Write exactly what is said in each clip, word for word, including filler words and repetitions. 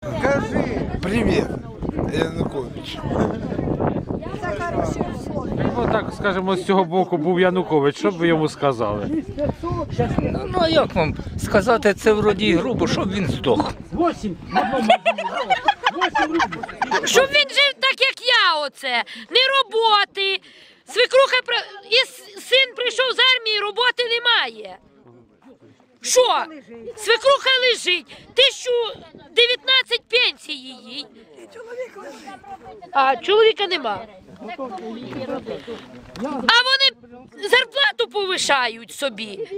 Скажи. Привет, Янукович. Ну так, скажімо, з цього боку був Янукович, що б ви йому сказали? Ну, ну а як вам сказати, це вроді грубо, щоб він здох. Щоб він жив так, як я оце. Не роботи. Свекруха при- і с- син прийшов з армії, роботи немає. Що? Свекруха лежить. Тисячу дев'ятнадцять пенсії їй. А чоловіка нема. А вони зарплату повишають собі.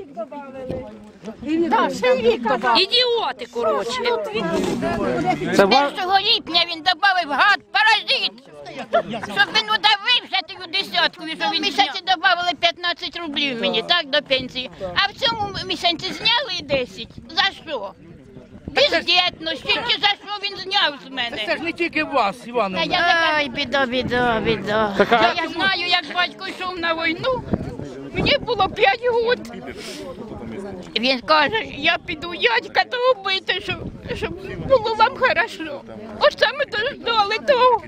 Ідіоти, коротше. Це ва... першого липня він додав гад паразит, щоб він удавився тою десяткою, що він місяці додали п'ятнадцять рублів мені, так, до пенсії. А в цьому місяці зняли десять. За що? Бездєтності, чи за що він зняв з мене? Це ж не тільки вас, Івановна. Ай, біда, біда, біда. Така... Я знаю, як батько йшов на війну, мені було п'ять років. Він каже, я піду дядька того бити, щоб, щоб було вам хорошо. Ось саме дождали того.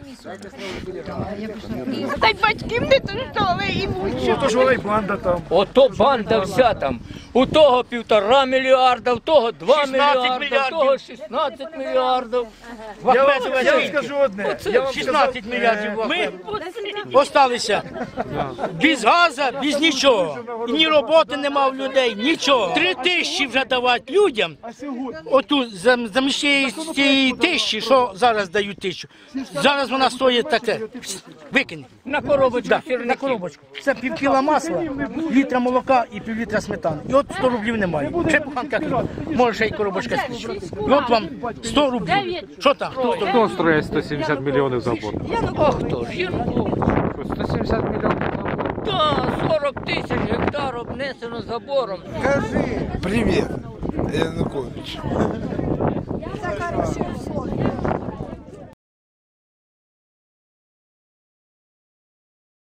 Та й батьків не дождали і вучу. Ото ж вона й банда там. Ото банда вся там. У того півтора мільярда, в того два мільярда, в того шістнадцять мільярдів. Я вам, я вам скажу одне. Я вам шістнадцять мільярдів. Ми осталися без газу, без нічого. І ні роботи нема в людей, нічого. Три тисячі вже давати людям. Оту замість цієї тисячі, що зараз дають тисячу. Зараз вона стоїть таке. Викинь. На коробочку Да, сірники. на коробочку. Це пів кіла масла, літра молока і пів літра сметани. І от сто рублів немає. Ще буханка хліба. Може ще й коробочка спічу. І от вам сто рублів. Що там? Хто сто? Хто строїть сто сімдесят мільйонів забор? А хто ж? Янукович. сто сімдесят мільйонів забор? Так, сорок тисяч гектар обнесено забором. Скажи. Привет, Янукович. За хорошее слово.